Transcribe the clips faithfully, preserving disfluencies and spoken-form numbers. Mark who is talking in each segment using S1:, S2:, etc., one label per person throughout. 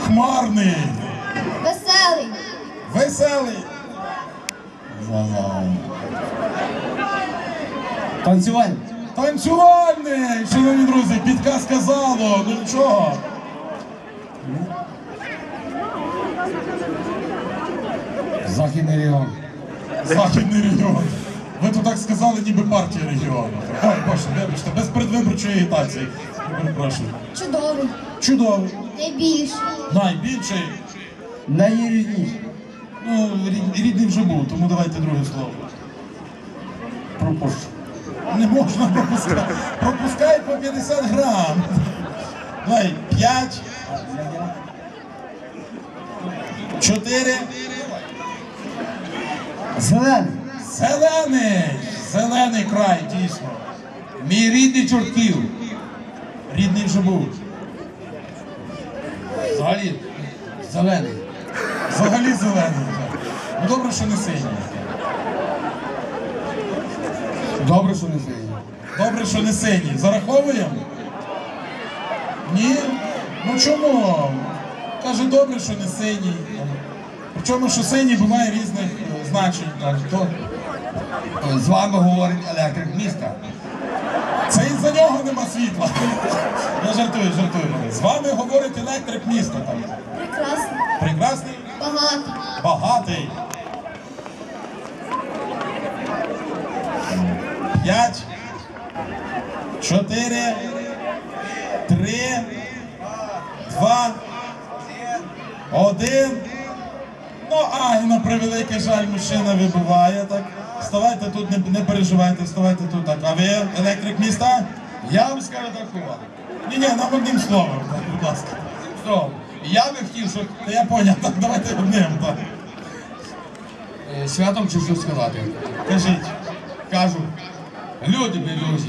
S1: Хмарний.
S2: Веселий.
S1: Веселий.
S3: Танцювальний.
S1: Танцювальний. Шановні друзі, підказка залу. Ну нічого.
S3: Західний регіон.
S1: Західний регіон. Ви тут так сказали, ніби партія регіону. Ой, Боже, вибачте, без передвиборчої агітації. Перепрошую.
S2: Чудовий.
S1: Чудовий.
S2: Найбільший.
S1: Найбільший.
S3: Найрідніший.
S1: Ну, рід- рідний вже був, тому давайте друге слово.
S3: Пропущу.
S1: Не можна пропускати. Пропускай по п'ятдесят грам. Давай, п'ять. Чотири.
S3: Зелений.
S1: Зелений. Зелений край, дійсно. Мій рідний Чортків. Рідний вже був.
S3: Взагалі. Зелений.
S1: Взагалі зелений. так. Ну добре, що не синій.
S3: Добре, що не синій.
S1: Добре, що не синій. Зараховуємо? Ні? Ну чому? Каже, добре, що не синій. Причому, що синій буває різних е, значень. Так, то...
S3: З вами говорить електрик міста.
S1: Це із-за нього нема світла. Я жартую, жартую. З вами говорить електрик міста. Там.
S2: Прекрасний.
S1: Прекрасний,
S2: Багатий.
S1: багатий. П'ять, чотири, три, два, один. Ну, а, і на превеликий жаль, мужчина вибиває, так. Вставайте тут, не, не переживайте, вставайте тут, так. А ви, електрик міста?
S3: Я вам скажу такого.
S1: Ні-ні, нам одним словом, так, будь ласка.
S3: Що? Я би хотів, щоб
S1: Та я поняв, так, давайте одним, так.
S3: е, святом чи що сказати.
S1: Кажіть.
S3: Кажу, люди друзі,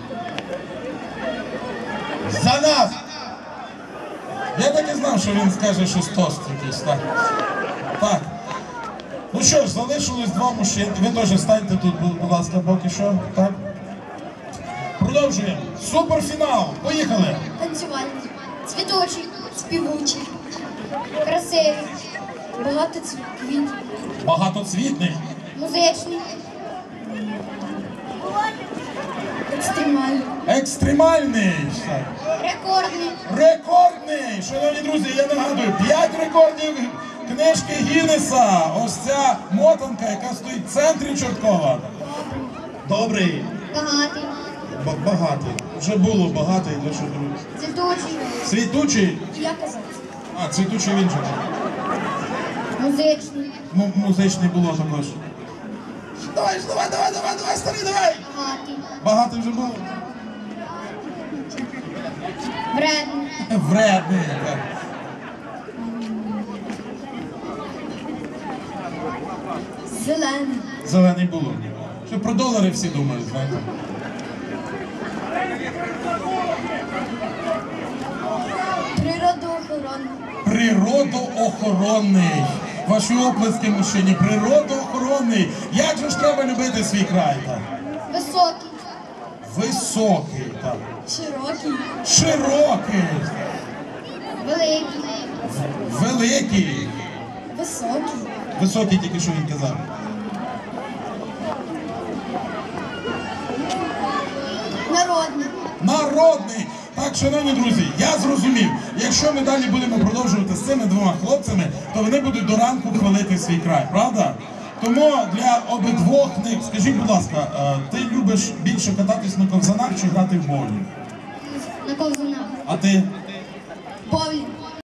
S3: за нас!
S1: Я так і знав, що він скаже щось тост якийсь, так. Так. Ну що ж, залишилось два мужчини. Ви теж станьте тут, будь будь ласка, поки що, так. Продовжуємо. Суперфінал. Поїхали.
S2: Танцювальний. Цвіточий. Співучий. Красивий. Багато квітів.
S1: Багатоцвітний.
S2: Музичний. Екстремальний.
S1: Екстремальний. Так.
S2: Рекордний.
S1: Рекордний! Шановні друзі, я нагадую, п'ять рекордів книжки Гіннеса. Ось ця мотанка, яка стоїть в центрі Чорткова. Добрий.
S2: Багатий.
S1: Б- багатий. Вже було багатий, для що друзі.
S2: Цвіточий.
S1: Світучий.
S2: Я казав.
S1: А, цвітучий він же.
S2: Музичний.
S1: М- музичний було також. Давай, ж, давай, давай, давай, давай, старий, давай!
S2: Багатий.
S1: Багатий вже було.
S2: Вредний.
S1: Вредний. Так.
S2: Зелений.
S1: Зелений було. Що про долари всі думають, знаєте.
S2: Природоохоронний.
S1: Природоохоронний. Ваші оплески, мужчині. Природоохоронний. Як же ж треба любити свій край? Так?
S2: Високий.
S1: Високий. Так.
S2: Широкий.
S1: Широкий.
S2: Великий.
S1: Великий.
S2: Високий.
S1: Високий тільки що він казав.
S2: Народний.
S1: Народний. Так, шановні друзі, я зрозумів, якщо ми далі будемо продовжувати з цими двома хлопцями, то вони будуть до ранку хвалити свій край, правда? Тому для обидвох них, скажіть, будь ласка, е, ти любиш більше кататись на ковзанах чи грати в боулінг?
S2: На ковзанах.
S1: А ти?
S2: Боулінг.